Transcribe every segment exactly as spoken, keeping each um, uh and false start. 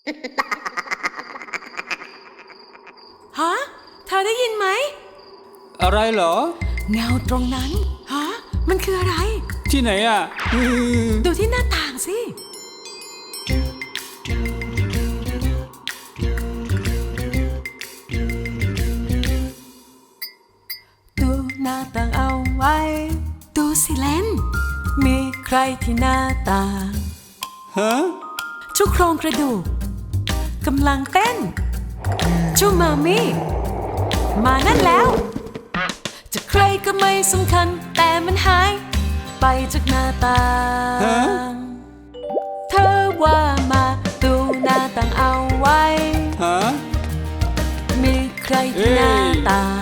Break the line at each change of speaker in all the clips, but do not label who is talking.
ฮะเธอได้ยินไหม
อะไรเหรอ
เงาตรงนั้นฮะมันคืออะไร
ที่ไหนอ่ะ
ดูที่หน้าต่างสิดูหน้าต่างเอาไว้ดูสิเลนมีใครที่หน้าต่าง
ฮะ
ชุกโครงกระดูกกำลังเต้นชูมามี่มานั่นแล้วจะใครก็ไม่สำคัญแต่มันหายไปจากหน้าต่างเธอว่ามาดูหน้าต่างเอาไว้
ฮะ
มีใครที่หน้าต่าง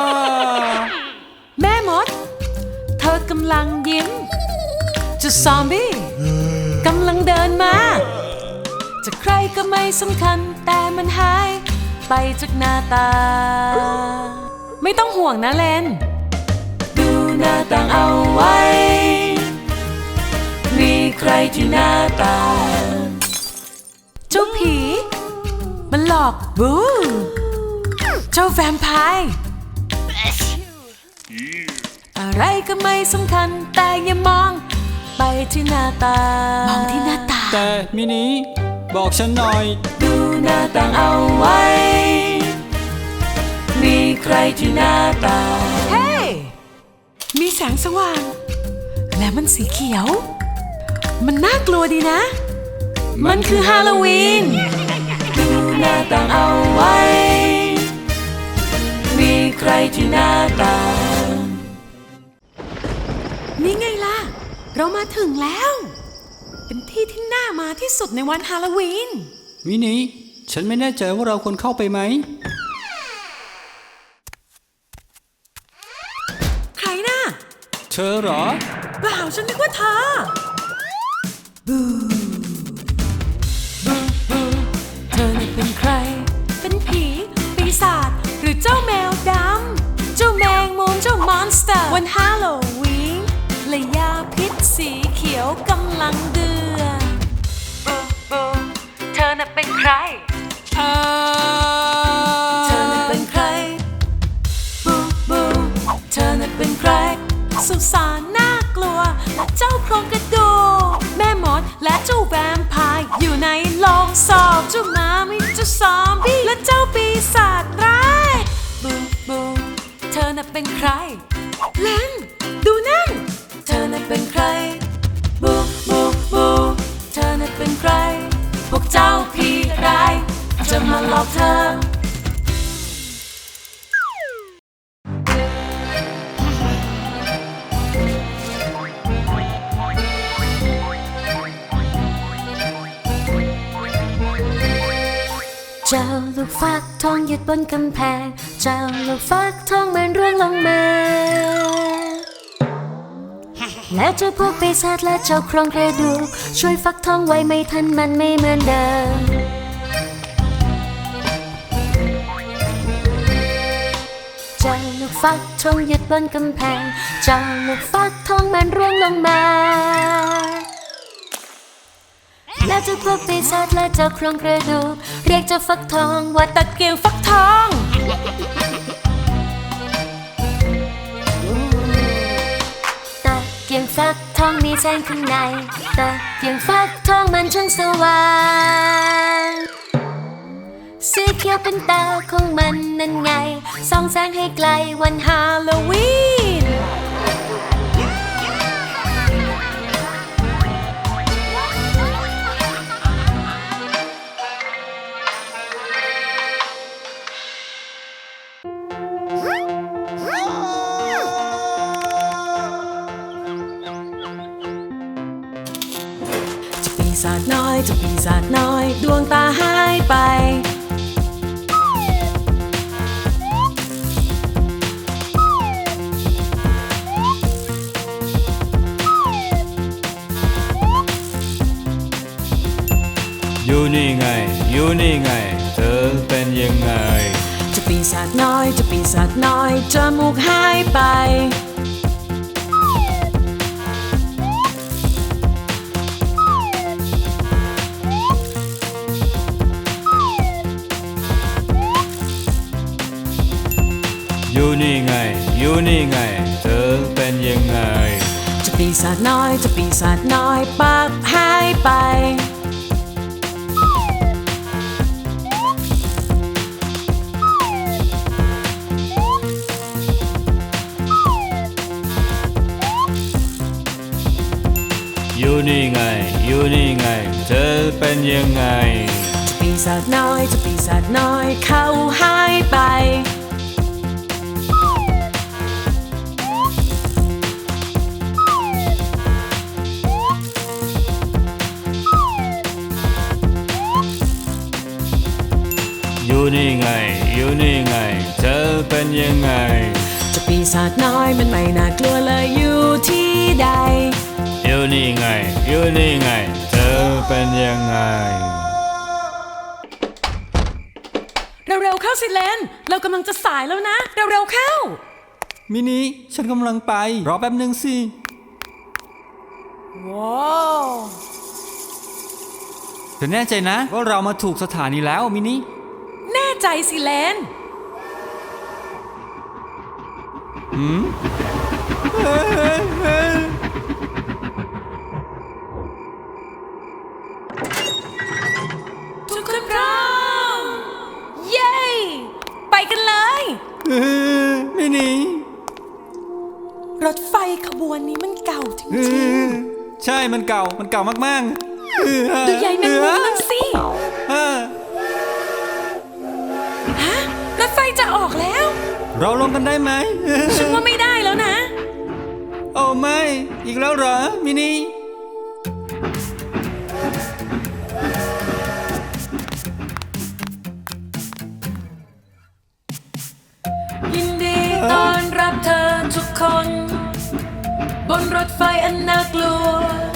แม่มดเธอกำลังยิ้มเจ้าซอมบี้กำลังเดินมาจะใครก็ไม่สำคัญแต่มันหายไปจากหน้าตาไม่ต้องห่วงนะเลนดูหน้าต่างเอาไว้มีใครที่หน้าต่างเจ้าผีมันหลอกบูเจ้าแวมไพร์อะไรก็ไม่สำคัญแต่อย่ามองไปที่หน้าต่างมองที่หน้าต่าง
แต่มินิบอกฉันหน่อย
ดูหน้าต่างเอาไว้มีใครที่หน้าต่างเฮ้ hey! มีแสงสว่างและมันสีเขียวมันน่ากลัวดีนะมันคือฮาโลวีนดูหน้าต่างเอาไว้มีใครที่หน้าต่างนี่ไงล่ะเรามาถึงแล้วเป็นที่ที่น่ามาที่สุดในวันฮาโลวีน
มินิฉันไม่แน่ใจว่าเราควรเข้าไปไหม
ใครน่ะ
เธอเหรอ
เปล่าฉันนึกว่าเธอบูบูบูเธอน่ะเป็นใครเป็นผีปีศาจหรือเจ้าแมวดำเจ้าแมงมุมเจ้ามอนสเตอร์วันฮาโลวีนและยาพิษสีเขียวกำลังเดือดบูบูเธอน่ะเป็นใครเธอน่ะเป็นใครบูบูเธอน่ะเป็นใครสุสานน่ากลัวและเจ้าโครงกระดูกแม่มดและเจ้าแวมไพร์อยู่ในโลงศพเจ้าหมามิเจ้าซอมบี้และเจ้าปีศาจร้ายบูบูเธอน่ะเป็นใครเลนดูนั่นเธอน่ะเป็นใครบูบูบูเธอน่ะเป็นใครพวกเจ้าผีร้ายจะมาหลอกเธอเจ้าลูกฟักทองหยุดบนกำแพงเจ้าลูกฟักทองมันร่วงลงมาแล้วเจ้าพวกปีศาจและเจ้าโครงกระดูกช่วยฟักทองไว้ไม่ทันมันไม่เหมือนเดิมเจ้าลูกฟักทองหยุดบนกำแพงเจ้าลูกฟักทองมันร่วงลงมาแล้วเจ้าพวกปีศาจและเจ้าโครงกระดูกเรียกเจ้าฟักทองว่าตะเกียงฟักทองตะเกียงฟักทองมีแสงข้างในตะเกียงฟักทองมันช่างสว่างสีเขียวเป็นตาของมันนั่นไงส่องแสงให้ไกลวันฮาโลวีนปีศาจน้อยเจ้าปีศาจน้อยดวงตาหายไป
อยู่นี่ไงอยู่นี่ไงเธอเป็นยังไง
เจ้าปีศาจน้อยเจ้าปีศาจน้อยจมูกหายไป เ
อยู่นี่ไง อยู่นี่ไง เธอเป็นยังไง
เจะปีศาจน้อยเจะปีศาจน้อยปักหายไป
อยู่นี่ไง อยู่นี่ไง เธอเป็นยังไง
เจะปีศาจน้อยเจะปีศาจน้อยเขาหายไป
อยู่นี่ไง อยู่นี่ไง เธอเป็นยังไง
เจะปีศาจน้อยมันไม่น่ากลัวเลยอยู่ที่ใด
อยู่นี่ไง อยู่นี่ไง เธอเป็นยังไง
เร็วๆเข้าสิเลนเรากำลังจะสายแล้วนะ เร็วๆเข้า
มินิฉันกำลังไป รอแป๊บหนึ่งสิ
ว้าว
เธอแน่ใจนะว่าเรามาถูกสถานีแล้วมินิ
แน่ใจสิเลน
หืม
ทุกคนพร้อม เย้ ไปกันเลย
เออมินิ
รถไฟขบวนนี้มันเก่าจ
เอ
ริง
อใช่มันเก่ามันเก่ามากๆเออ
ๆ ดูใหญ่แมงมุมนั่นสิ
เออ
ฮะ รถไฟจะออกแล้ว
เราลงกันได้ไหมเออ
ฉันว่าไม่ได้แล้วนะ
โอ้ไม่ อีกแล้วเหรอมินิ
ยินดีต้อนรับเธอทุกคน บนรถไฟอันน่ากลัว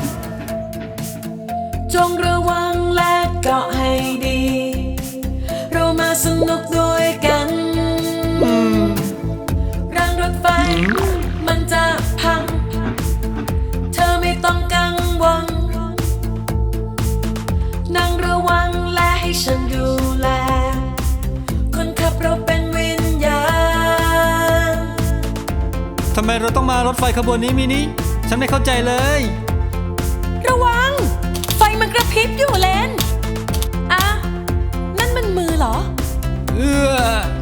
จงระวังและเกาะให้ดี เรามาสนุกด้วยกันรางรถไฟมันจะพัง เธอไม่ต้องกังวลนั่งระวังและให้ฉันดูแล คนขับเราเป็นวิญญาณ
ทำไมเราต้องมารถไฟขบวนนี้มินิฉันไม่เข้าใจเลย
ระวัง ไฟมันกระพริบอยู่เลนอ่ะ นั่นมันมือเหรอ
เออ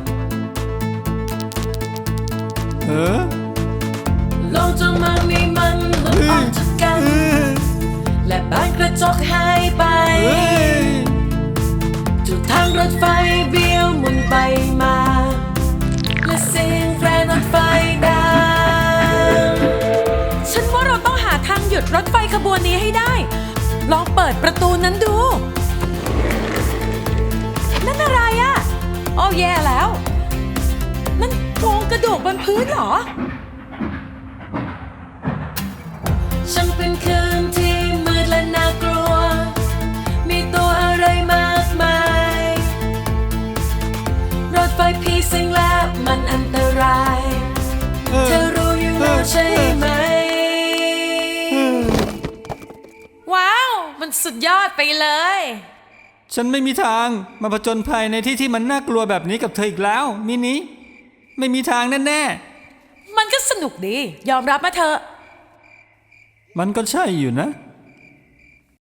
เออ
ลงจนมามีมันหลุดออกจากกัน
เออ
และบานกระจกหายไป
เฮ้ย
ทุกทางรถไฟเบี้ยวหมุนไปมา และเสียงแตรรถไฟดัง ฉันว่าเราต้องหาทางหยุดรถไฟขบวนนี้ให้ได้ ลองเปิดประตูนั้นดู นั่นอะไรอะโอ้แย่แล้ว นั่นโครงกระดูกบนพื้นเหรอ ฉันเป็นคืนที่มืดและน่ากลัว มีตัวอะไรมากมาย รถไฟผีสิงและมันอันตราย เธอรู้อยู่แล้วใช่ไหม ว้าว มันสุดยอดไปเลย
ฉันไม่มีทางมาผจญภัยในที่ที่มันน่ากลัวแบบนี้กับเธออีกแล้วมินิไม่มีทางแน่
มันก็สนุกดี ยอมรับมาเถอะ
ๆมันก็ใช่อยู่นะ